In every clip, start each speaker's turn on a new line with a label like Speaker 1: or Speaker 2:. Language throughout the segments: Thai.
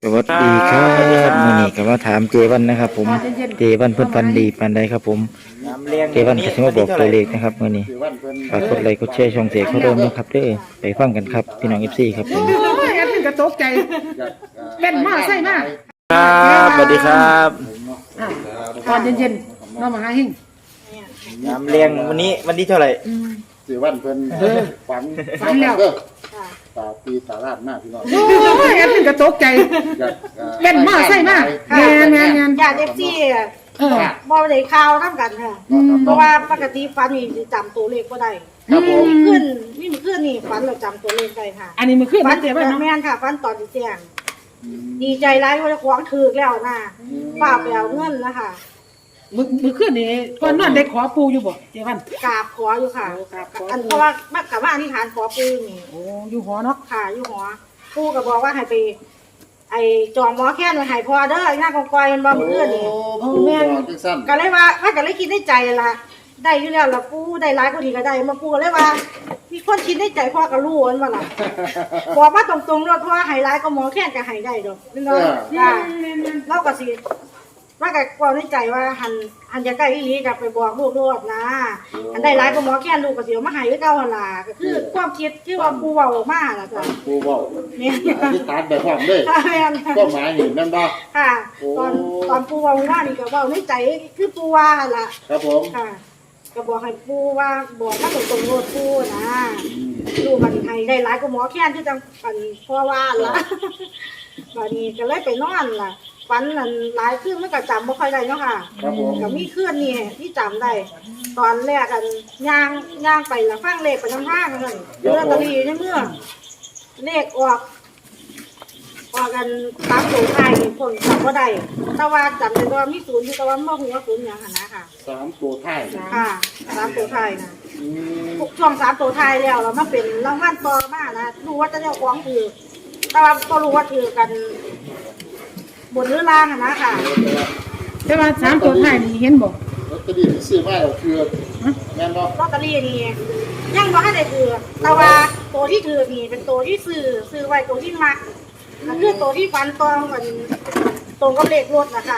Speaker 1: สวัสดีครับมื้อนี้ก็มาถามเจวันนะครับผมเจวันเพิ่นฟันดีปานใดครับผมเจวันก็สิมาบอกตัวเลขนะครับมื้อนี้ฝากกดไลค์กดแชร์ช่องเสกเขาเริ่มนะครับเด้อไปฟังกันครับพี่น้อง FC ครับผม
Speaker 2: โอ้ยแอดมินก็ตกใจเล่นมากใส่มาก
Speaker 1: ครับสวัสดีครับ
Speaker 2: ตอนเย็นๆเรามาหาหิ่ง
Speaker 1: น้ำเลี้ยงวันนี้วันที่เท่าไหร่
Speaker 3: สิวันเพิ่นฝัน
Speaker 2: ฝันแล้ว
Speaker 3: ตาปีตาลาดมากพี่น้อง
Speaker 2: โอ้ยแอดมินก็ตกใจ เล่นมากใส่มากแงน
Speaker 4: ญาติเอฟซีบ่ได้ข่าวนํกันค่ะเพราะว่าปกติฝันนี่สิจำตัวเลขบ่ได้
Speaker 3: ครับผม
Speaker 4: ขึ้นนี่ฝันเราจำตัวเลขได้ค่ะ
Speaker 2: อันนี้มันขึ้น
Speaker 4: ฝั
Speaker 2: มัน นเจ็บ
Speaker 4: แต่
Speaker 2: เนาะ
Speaker 4: แม่นค่ะฝันตอนที่แจ้งดีใจหลายว่าจะของถูกแล้วนะป้าไปเอาเงินนะคะ
Speaker 2: มือขึ้นนี่ก่อนนอนได้ขอปูอยู่บ่เจวัน
Speaker 4: กราบขออยู่ค่ะ
Speaker 2: กราบขอ
Speaker 4: อันเพราะว่ามักกับว่าอธิษฐานขอปู่นี่
Speaker 2: โอ้อยู่หอเนาะ
Speaker 4: ค่ะอยู่หอปู่ก็บอกว่าให้ไปไอ้จองหมอแค้นไว้ให้พอเด้อหน้ากองกอยมันบ่มื้อนี่
Speaker 3: แม่นจังซั่น
Speaker 4: ก็เลยว่าก็เลยคิดในใจล่ะได้อยู่แล้วล่ะปู่ได้หลายกว่านี้ก็ได้มาปู่ก็เลยว่ามีคนคิดในใจพ่อก็รู้ว่าล่ะบอกว่าตรงๆเนาะเพราะว่าให้หลายก็หมอแค้นก็ให้ได้ดอกแม่นบ่ค่ะเราก็สิว่าก็ความในใจว่าหันจะใกล้อีหลีก็ไปบอกลูกโลดนะอันได้หลายก็หมอแค้นลูกก็สิเอามาให้คือเก่าหั่นล่ะก็คือความคิดที่ว่าปู่เว้าออกมาล่ะจ้ะ
Speaker 3: ปูเว้า
Speaker 4: แม่น
Speaker 3: อธิษฐานแบบพร้อมเด้อ
Speaker 4: ค่ะแม่น
Speaker 3: ก็หมายนี่แม่นบ่
Speaker 4: ค่ะตอนปู่เว้าว่านี่ก็เว้าในใจคือปู่ว่าหั่นล่ะ
Speaker 3: ครับผม
Speaker 4: ค่ะก็บอกให้ปู่ว่าบอกว่าตรงๆโลดปู่นะลูกมันให้ได้หลายก็หมอแค้นที่จังปันพ่อว่าล่ะ บัดนี้ก็เลยไปนอนล่ะฝันนั่นหลายคืนมันก็จำบ่ค่อยได้เนาะค่ะ
Speaker 3: ครับผม
Speaker 4: ก็มีคืนนี่ที่จำได้ ตอนแรกกันย่างไปแล้วฟังเลขไปทางทางนั่นลอตเตอรี่ในเมื่อเลขออกกันตามตัวไทยผลจำบ่ได้แต่ว่าจำได้ว่ามีศูนย์อยู่แต่ว่าบ่ฮู้ว่าศูนย์หยังหั่นนะค่ะ
Speaker 3: 3ตัวท้าย
Speaker 4: ค่ะสามตัวไทยนะ
Speaker 3: อืม
Speaker 4: ช่วงสามตัวไทยแล้วเรามาเป็นรางวัลต่อมานะรู้ว่าจะได้ของถือแต่ว่าก็รู้ว่าถือกันบนหรือล่างอะนะค่ะ
Speaker 2: แต่ว่า3ตัวท้ายนี่เห็นบ่
Speaker 3: ลอตเตอรี่ที่ซื้อมาแล้วคือแม่นบ่
Speaker 4: ลอตเตอรี่นี่ยังบ่ทันได้ถือแต่ว่าตัวที่ถือนี่เป็นตัวที่ซื้อไว้ตัวที่มักก็คือตัวที่ฟันตรงกันตรงกับเลขรถนะคะ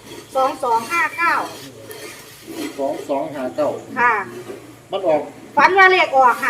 Speaker 4: 2259
Speaker 3: 2259
Speaker 4: ค่ะ
Speaker 3: มันออก
Speaker 4: ฟันว่าเลขออก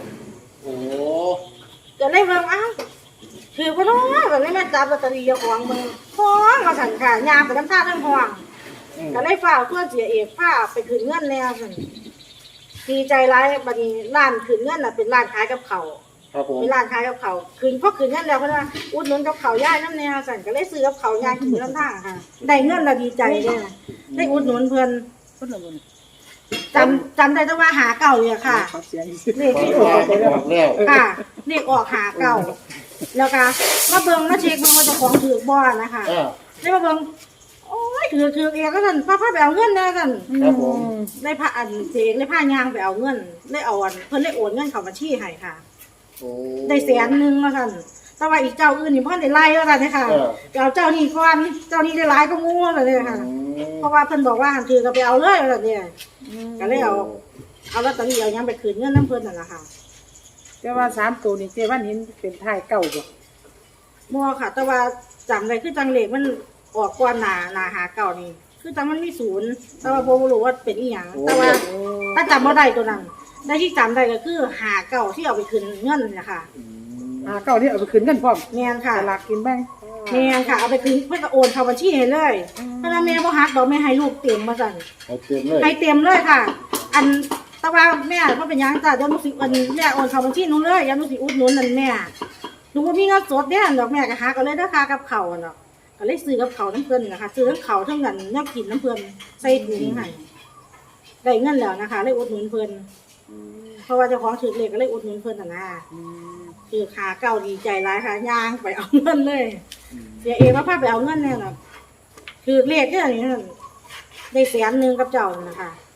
Speaker 4: 59
Speaker 3: โอ้
Speaker 4: ก็เลยเบิ่งอ้าวถือบ่เนาะก็เลยมาจับลอตเตอรี่เจ้าของมือห้องมาสั่นค่ะยามไปน้ำท่าทั้งห้อง ก็เลยฝ้ากเพื่อนเสียเอกฝ้าไปขึ้นเงินแล้วสั่นดีใจร้ายบัดนี้ร้านขึ้นเงินน่ะเป็นร้านขายกับเขาว
Speaker 3: ครับผม
Speaker 4: เป็นร้านขายกับเขาวขึ้นพอขึ้นเงินแล้วเพิ่นว่าอุดหนุนกับเขาวย่ายน้ำแนวสั่นก็เลยซื้อกับเขาวย่ายขึ้นน้ำทางค่ะได้เงินและดีใจเด้อได้อุดหนุนเพิ่น
Speaker 2: คนละบ่
Speaker 4: จำได้แต่ว่าหาเก่าเนี่ยค่ะ
Speaker 2: เขาเสียอีก
Speaker 4: เลข
Speaker 3: ฝัน
Speaker 4: ที่อ
Speaker 3: ว่า
Speaker 4: อก
Speaker 3: ออกแล้ว
Speaker 4: ค่ะเลขออกหาเก่าแล้วก็มาเบิ่งมาเช็คเบิ่งว่าเจ้าของถือบ่นะคะ ได้มาเบิ่งโอ้ยถือเองก็สั่นพาไปเอาเงินนะสั่น
Speaker 3: ครับผม
Speaker 4: ได้พาอันเจงได้พายางไปเอาเงินได้เอาอันเพิ่นได้โอนเงินเข้าบัญชีให้ค่ะ
Speaker 3: โอ้
Speaker 4: ได้100,000แล้วสั่นแต่ว่าอีกเจ้าอื่นนี่เพิ่นได้ไล่แล้วกันนะคะไปเอาเจ้านี้ก่อนเจ้านี้ได้หลายก็งูแล้วเนี่ยค่ะ เพราะว่าเพิ่นบอกว่าหันถือก็ไปเอาเลยแล้วเนี่ยก็เลยเอาลอตเตอรี่เอาหยังไปคืนเงินน้ำเพิ่นนั่นล่ะค่ะ
Speaker 2: แต่ว่า3ตัวนี่เจวันเห็นเป็นท้ายเก่าบ่
Speaker 4: บ่ค่ะ แต่ว่าจำได้คือจังเลขมันออกก่อนหน้าหาเก่านี่คือจังมันมีศูนย์แต่ว่าบ่รู้ว่าเป็นอีหยังแต่ว่าถ้าจำบ่ได้ตัวนั้นได้ที่จำได้ก็คือหาเก่าที่เอาไปคืนเงินนะคะ
Speaker 2: เก่าที่เอาไปคืนกันพร้อม
Speaker 4: แม่นค่ะ
Speaker 2: สลากกินแบ่ง
Speaker 4: แม่นค่ะเอาไปคืนเพิ่นก็โอนเข้าบัญชีให้เลยเพราะว่าแม่บ่ฮักดอกแม่ให้ลูกเต็มมาสั่น
Speaker 3: เอาเต็มเลย
Speaker 4: ให้เต็มเลยค่ะ อันแต่ว่าแม่บ่เป็นหยังจ้ะเดี๋ยวหนูสิอันแม่โอนเข้าบัญชีหนูเลยเดี๋ยวหนูสิอุดหนุนนั่นแม่หนูบ่มีเงินสดเด้อดอกแม่ก็หาก็เลยเด้อค่ะกับข้าวอะเนาะก็เลยซื้อกับข้าวน้ำเพิ่นนะคะซื้อทั้งข้าวทั้งเงินแนวกินน้ำเพิ่นใส่ถุงให้ได้เงินแล้วนะคะเลยอุดหนุนเพิ่นเพราะว่าเจ้าของถือเลขก็เลยอุดหนุนเพิ่นน่ะนะคือขาเก่าดีใจหลายค่ะย่างไปเอาเงินเลยเสียเองว่าพาไปเอาเงินแน่น่ะคือเลขเนี่ยนี่นั่นได้100,000กับเจ้านั่นนะคะ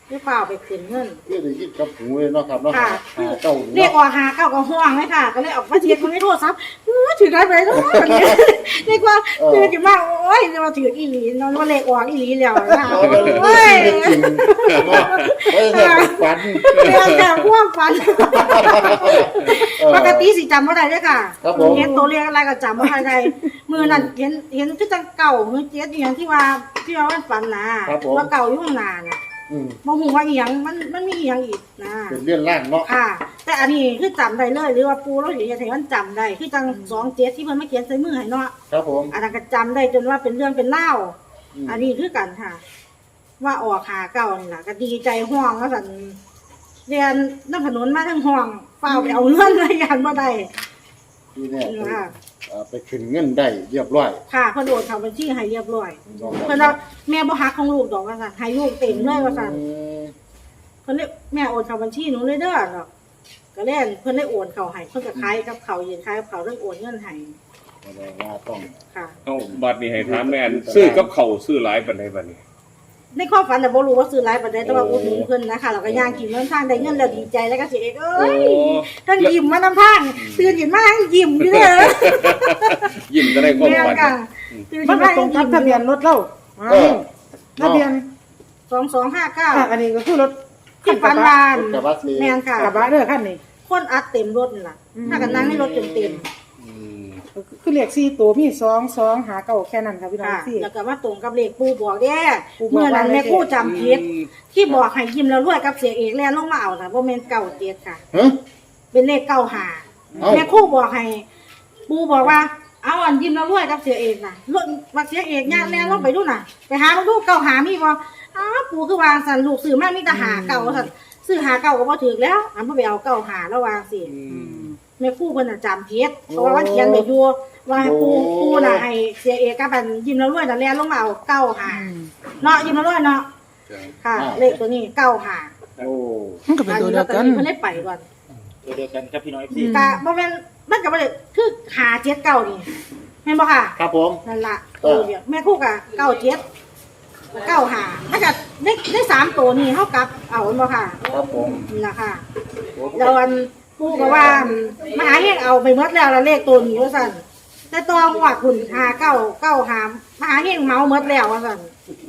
Speaker 4: ที่เปล่าไปขึ้นเงิน
Speaker 3: เพื่อได้ยินกับหูเลยเนาะครับเนาะ
Speaker 4: ค่ะ
Speaker 3: หาเก้า
Speaker 4: เรียกว่าหาเก้าก็ห่วงเลยค่ะ ก็เลยออกมาเช็คมันไม่โทรศัพท์ถือได้ไหมทุกคนเนี่ยเรียกว่าถือกันมากโอ้ยมาถืออีหลีนอนว่าเลขออกอีหลีแล้วนะโอ้ย
Speaker 3: จริงเนาะเอ้ยเนี่ยฝัน
Speaker 4: เรียกแต่พ่วงฟันปกติสิจำไม่ได้เลยค่ะเห็นตัวเลขอะไรก็จำไม่ได้มือนั่นเห็นคือจังเก่ามือเจ็ดอย่างที่ว่าฝันนะว่าเก่าอยู่ข้างหน้าเนี่ยมองหูว่าอีหยังมันมีอีหยังอีกนะ
Speaker 3: เป็นเรื่องล่างเนาะ
Speaker 4: ค่ะ แต่อันนี้คือจำได้เลยหรือว่าปูเราเห็นอย่างมันจำได้คือจัง27ที่มันไม่เขียนใส่มือให้เนาะ
Speaker 3: ครับผม
Speaker 4: อันนั้นก็จำได้จนว่าเป็นเรื่องเป็นเล่าวอันนี้คือกันค่ะ ว่าออกหาเก่านี่แหละก็ดีใจห่วงว่าสันเรียนน้ำถนนมาทั้งห่วงเฝ้าไปเอาเงินรายงานมาได้
Speaker 3: ที่เนี่ย
Speaker 4: ค่ะ
Speaker 3: ไปขึ้นเงินได้เรียบร้อย
Speaker 4: ค่ะเพิ่นโอนเข้าบัญชีให้เรียบร้อยเพิ่นว่าแม่บ่ฮักของลูกดอกว่าซั่นให้ลูกเต็มเลยว่าซั่นเพิ่นเลยแม่โอนเข้าบัญชีหนูเลยเด้อเนาะก็เล่นเพิ่นเลยโอนเข้าให้เพิ่นก็ขายกับเขาวยืนขายกับเขาวเรื่องโอนเงินให้
Speaker 3: ว่าต้อง
Speaker 4: ค่ะ
Speaker 5: เอาบัตรนี่ให้ถามแม่นซื้อกับเขาวซื้อหลายปานใดบัดนี้
Speaker 4: ในความฝันแต่บ่รู้ว่าซื้อหลายปานใดแต่ว่าอุดหนุนเพิ่นนะคะแล้วก็ย่างกินเงินทางได้เงินแล้วดีใจแล้วก็สิเอกเอ้ยทั้งยิ้มมานำทางตื่นขึ้นมาทั้งยิ้มอยู่เด้อ
Speaker 5: ยิ้มก็ได้ความ
Speaker 4: แม่น
Speaker 5: ฝัน
Speaker 4: ค่ะตื่น
Speaker 2: มั
Speaker 4: ขึ้
Speaker 2: น
Speaker 4: น
Speaker 2: ก็
Speaker 4: มา
Speaker 2: ตรงกับทะเบียนรถเราทะเบียน
Speaker 4: 2259
Speaker 2: อันนี้ก็คือรถ
Speaker 4: ที่ฝันวาน
Speaker 3: กระบะสี
Speaker 4: แม่นค่ะ
Speaker 2: กระบะเด้อคันนี้
Speaker 4: คนอัดเต็มรถนี่ล่ะถ้ากันนั่งในรถจนเต็ม
Speaker 2: คือเลข4ตัวมี2 2หาเก้าแค่นั้นค่ะพี่น้อง
Speaker 4: ค่ะ
Speaker 2: สี่
Speaker 4: แล้วก็มาตรงกับเลขปู่บอกเด้
Speaker 2: ปู่บอก
Speaker 4: เมื่อนั้น
Speaker 2: ว่า
Speaker 4: แม่ครู่จำผิดที่บอกให้ยิ้มแล้วรวยกับเสียเอกแล่นลงมาเอาน่ะบ่แม่น97ค่ะ
Speaker 3: ฮะ
Speaker 4: เป็นเลข95
Speaker 3: เอ้า
Speaker 4: แม่ครู่บอกให้ปู่บอกว่าเอาอันยิ้มแล้วรวยกับเสียเอกน่ะรถว่าเสียเอกย่างแล่นลงไปดูน่ะไปหามาดู95มีบ่อ้าวปู่คือวางสั่นลูกซื้อมามีแต่หาเก่าสั่นซื้อหาเก่าก็บ่ถูกแล้วอันบ่ไปเอา95แล้ววางสิแม่ครู่เพิ่นน่ะจำผิดเพราะว่ามันเขียนไว้อยู่ว่าให้ปู่น่ะให้เสียเอกกับอันยิ้มแล้วรวยน่ะแล่นลงมาเอา95เนาะยิ้มแล้วรวยเนาะค่ะ เลขตัวนี้95
Speaker 3: โอ้
Speaker 2: มันก็เป็นตัวเดียวกัน
Speaker 4: เพิ่นได้ไปก่อน
Speaker 1: ตัวเดียวกันครับพี่น้อย
Speaker 4: กะบ่แม่นมันก็บ่ได้คือหาเจ็ดเก่านี่แม่นบ่ค่ะ
Speaker 3: ครับผม
Speaker 4: นั่นล่ะตัวเดียวแม่คู่กะเก้าเจ็ดเก้าหามันก็ได้3ตัวนี่เฮากลับเอาแม่นบ่ค่ะ
Speaker 3: ครับผม
Speaker 4: นี่ล่ะค่ะแล้วอันปู่ก็ว่ามหาเฮงเอาไปหมดแล้วละเลขตัวนี้ว่าซั่นแต่ตองว่าคุณหาเก้าหามหาเฮงเมาหมดแล้วว่าซั่น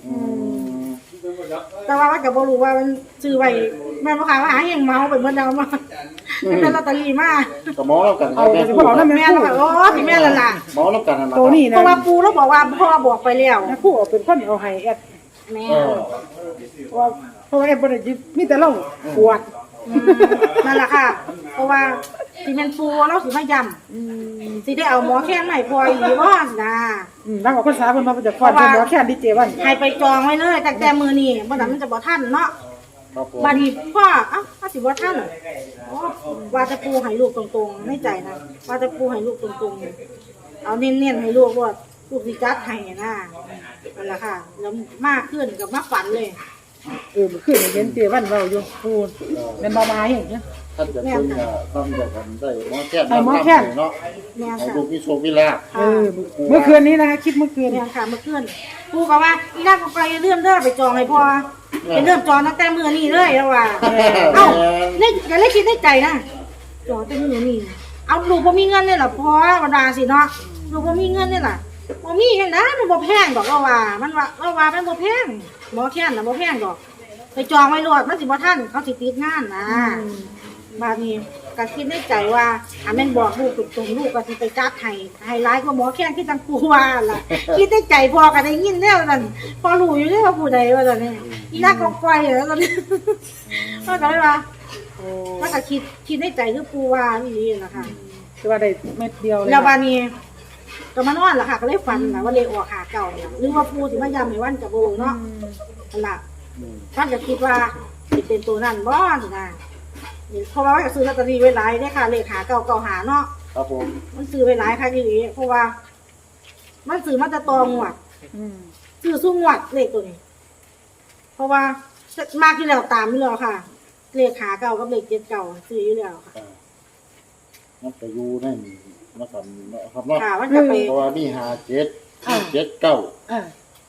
Speaker 4: แต่ว่ามันก็บ่รู้ว่ามันซื้อไว้แม่นบ่ค่ะมหาเฮงเมาไปหมดแล้วมาเป็นลอตเตอรี่มา
Speaker 3: ก็มองแล้วกันครั
Speaker 2: เอา
Speaker 3: บแม่
Speaker 2: สิ
Speaker 3: พู
Speaker 2: บ่
Speaker 3: ด
Speaker 2: เอานำ
Speaker 4: แม่
Speaker 2: แม่
Speaker 4: เรา
Speaker 2: คู่
Speaker 4: แบบโอ้ที่แม่ละล่ะ
Speaker 3: มองแล้วกันนั่นแหละ
Speaker 2: ตัวนี้
Speaker 4: เพ
Speaker 2: นะ
Speaker 4: ราะว่าปูเราบอกว่าพ่อบอกไปแล้ว
Speaker 2: แม่คู่เอาเป็นคนเอาให้แอด
Speaker 4: แม่
Speaker 2: เพราะว่าแอดบ่ได้ยึดมีแต่เราปวด
Speaker 4: นั่นแหละค่ะ เพราะว่าสิเป็นปูเราสิมาย้ำสิได้เอาหมอแค่ไหนพออีกว่านะ
Speaker 2: นั่งออกพรรษาเพิ่นมาจะฟ้อนเพิ่นบ่แค่ดีเจวัน
Speaker 4: ให้ไปจองไว้เลยตั้งแต่มือนี่บ่นั้นมันจะบ่ทันเนาะ
Speaker 3: ครับผม
Speaker 4: บัดนี้พ่อถ้าสิบ่ทันอ๋อว่าจะปูให้ลูกตรงๆไม่ใจนะว่าจะปูให้ลูกตรงๆเอาเน้นๆให้ลูกว่าลูกสิจัดให้นะนั่นแหละค่ะแล้วมากขึ้นกับมากฝันเลย
Speaker 2: มื้อคืนเห็นเจวันเว้าอยู่พูดแม่นบ่มาเห็น
Speaker 3: ท่านจะเป็นทำแบบกันได้หมอแค่
Speaker 2: ให้หมอแค่น
Speaker 3: เนาะ
Speaker 4: แม่
Speaker 3: ให้
Speaker 4: ค่ะ
Speaker 3: ลูกมีโชคมีลาภ
Speaker 2: เมื่อคืนนี้นะคะคิดเมื่อคืน
Speaker 4: เนี่ยค่ะเมื่อคืนปูก็ว่าอีนั่นก็ไปเริ่มเด้อไปจองให้พ่อไปเริ่มจองตั้งแต่มื้อนี้เลยแล้วว่าเอ้านี่อย่าเลยคิดในใจนะจองแต่มื้อนี้เอาลูกบ่มีเงินนี่ล่ะพ่อบ่ดาสิเนาะลูกบ่มีเงินนี่ล่ะบ่มีจังได๋มันบ่แพงดอกเราว่ามันบ่แพงหมอแค้นน่ะบ่แพงดอกไปจองไว้โลดมันสิบ่ทันเขาสิติดงานนะบาดนี้ก็คิดในใจว่าแม่นบอกลูกตรงๆลูกก็สิไปจัดให้หลายกว่าหมอแค้นที่จังกูว่าล่ะ คิดในใจพอก็ได้ยินแล้วนั่นพอรู้อยู่แล้วว่าผู้ใดว่าซั่นนี่อีนักก็ปล่อยแล้วซั่นมันก็เลยว่ามันก็คิดในใจคือปูว่าอีหลีน่ะค่ะ
Speaker 2: คือว่าได้เม็ดเดียวเลย
Speaker 4: แล้วบาดนี้ก็มานอนล่ะค่ะ ก็เลยฝันล่ะว่าเลขออกหาเก่าเนี่ยหรือว่าปูสิมาย้ำให้วันก็บ่รู้เนาะนั่นล่ะท่านก็คิดว่าสิเป็นตัวนั้นบ่สินะเพราะว่าก็ซื้อลอตเตอรี่ไว้หลายเด้ค่ะเลขหาเก่าหาเนาะ
Speaker 3: ครับผม
Speaker 4: มันซื้อไว้หลายค่ะอีหลีเพราะว่า มันซื้อมาแต่ตองวดซื้อสู้งวดเลขตัวนี้ เพราะว่ามากที่แล้วตามอยู่แล้วค่ะ เลขหาเก่ากับเลข7เก่าซื้ออยู่แล้วค่ะ
Speaker 3: มันจะอยู่ในนี้นะครับเนาะ
Speaker 4: ค่ะมันจะไป
Speaker 3: เพราะว่ามี57 7 9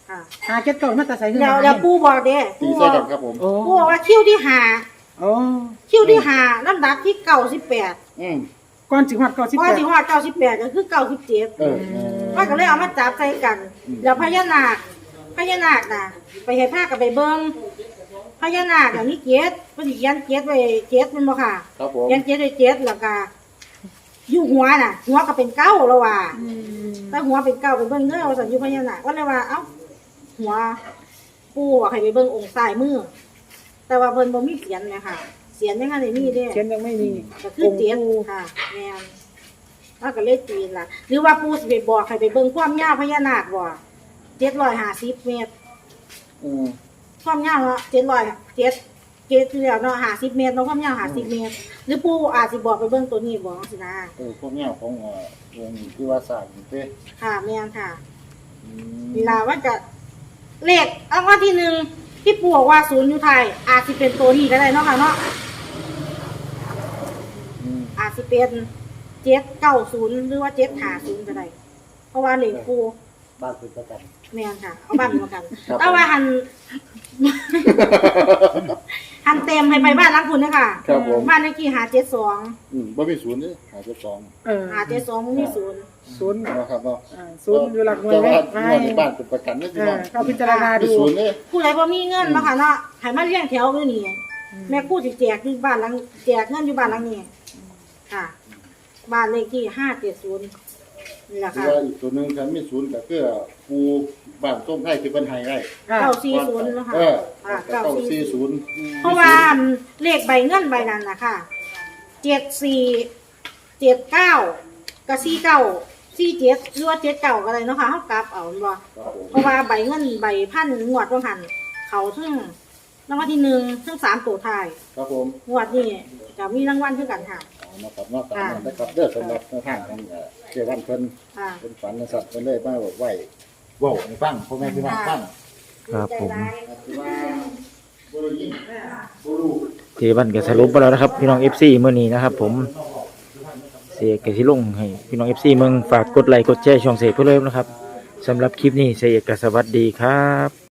Speaker 4: ค่ะ
Speaker 2: หาเก็ตเก่ามาแต่ใส่ขึ้น
Speaker 4: แล้วปู่บอกเด้
Speaker 3: ตี
Speaker 4: ปู่บ
Speaker 3: ใส่
Speaker 4: อก
Speaker 3: กันครับผม
Speaker 2: โอ้
Speaker 4: ปู่บอกว่าคิวที่ห้า
Speaker 2: โอ้
Speaker 4: คิวที่5ลำดับที่98
Speaker 3: อืม
Speaker 2: ก่อนสิฮอด98
Speaker 4: พอสิฮอด98ก็คือ97
Speaker 3: เออ
Speaker 4: มันก็เลยเอามาจับใส่กันแล้วพญานาคน่ะไปให้พากับไปเบิ่งพญานาคน่ะมีเกศเพิ่นสิเขียนเกศไว้เกศแม่นบ่ค่ะ
Speaker 3: ครับผม
Speaker 4: เขียนเกศไว้เกศแล้วก็อยู่หัวน่ะ หัวก็เป็นเก้าแล้วว่าแต่หัวเป็นเก้าไปเบิ่งเด้อว่าซั่นอยู่พญานาคก็เลยว่าเอ้าหัวปู่ให้ไปเบิ่งองค์ซ้ายมือแต่ว่าเพิ่นบ่มีเสียนแม่ค่ะเสียนยังไงได้มีเด้
Speaker 2: เขียนยังไม่มี
Speaker 4: ก็คือเจ็ดค่ะแม่นแล้วก็เลยตีนล่ะ หรือว่าปู่สิไปบอกให้ไปเบิ่งความยาวพญานาคบ่750 เมตร
Speaker 3: อืม
Speaker 4: ความยาวเนาะ700ที่แล้วเนาะ50 เมตรเนาะความยาว50 เมตร หรือปู่อาจสิบอกไปเบิ่งตัวนี้บ่สินะ
Speaker 3: พวกเนี้ยของวงที่ว่าสร้างนี่เด้
Speaker 4: ค่ะแม่นค่ะ
Speaker 3: อืม
Speaker 4: เวลาว่าจะเลขรางวัลที่หนึ่งที่ปู่บอกว่าศูนย์อยู่ไทยอาจสิเป็นตัวนี้ก็ได้เนาะค่ะเนาะ
Speaker 3: อืม
Speaker 4: อาจสิเป็น790หรือว่า750ก็ได้เพราะว่าเลขปู่
Speaker 3: บ้านเป็นประกัน
Speaker 4: แม่นค่ะ เอาบ้านมากัน
Speaker 3: ครับ
Speaker 4: แต่ว่าหันเต็มให้ไปบ้านหลังคุณเด้อค่ะ
Speaker 3: ครับผม
Speaker 4: บ้านเลขที่572
Speaker 3: บ่มีศูนย์นี่หาจุดสอง
Speaker 2: เออ
Speaker 4: 572บ่มีศูนย์
Speaker 2: ศูนย์
Speaker 3: นะครับเนาะ
Speaker 2: ศูนย์อยู่หลักหน่วย
Speaker 3: แต่
Speaker 2: ไว้
Speaker 3: ว่า
Speaker 2: ไว้
Speaker 3: งวดนี้บ้านเป็นประกันนะพี่น้อง
Speaker 2: เขาพิจารณา
Speaker 3: มี
Speaker 2: ดู
Speaker 3: ศูนย์นี่
Speaker 4: ผู้ใดบ่มีเงินเนาะค่ะเนาะให้มาเลี้ยงแถวอยู่นี่แม่กู้สิแจกที่บ้านหลังแจกเงินอยู่บ้านหลังนี้ค่ะ บ้านเลขที่570นี่แหละ
Speaker 3: คือ
Speaker 4: ค่ะ
Speaker 3: ว่าอีกตัวหนึงคันมีศูนย์ก็คือปูบ้านต้มไทยที่เพิ่นให้ไว้
Speaker 4: 940เนาะค่ะ
Speaker 3: เออ
Speaker 4: ค่ะ
Speaker 3: 940
Speaker 4: เพราะว่าเลขใบเงินใบนั้นน่ะค่ะ7479กับ4947หรือว่า79ก็ได้เนาะค่ะเฮากลับเอาแม่นบ่
Speaker 3: ครับผม
Speaker 4: เพราะว่าใบเงินใบพันงวดว่าหันเขาทั้งรางวัลที่หนึ่งทั้ง3ตัวท้าย
Speaker 3: ครับผม
Speaker 4: งวดนี้ก็มีรางวัลคือกันค่ะ
Speaker 3: เอานะครับเนาะตามนั้นนะครับเด้อสำหรับแนวทางของเจ้าวันเพิ่น
Speaker 4: ค่ะ
Speaker 3: เป็นฝันนะครับเพิ่นเลยมาบอกไว้เว้าให้ฟังพ่อแม่พี่น้องฟัง
Speaker 1: ครับผม
Speaker 3: คือว่าบ่รู้ยินบ่รู้
Speaker 1: เจวันก็สรุปไปแล้วนะครับพี่น้อง FC มื้อนี้นะครับผมเสียกสิลงให้พี่น้อง FC เมืองฝากกดไลค์กดแชร์ช่องเสกเพื่อเริ่มนะครับสำหรับคลิปนี้เสียกสวัสดีครับ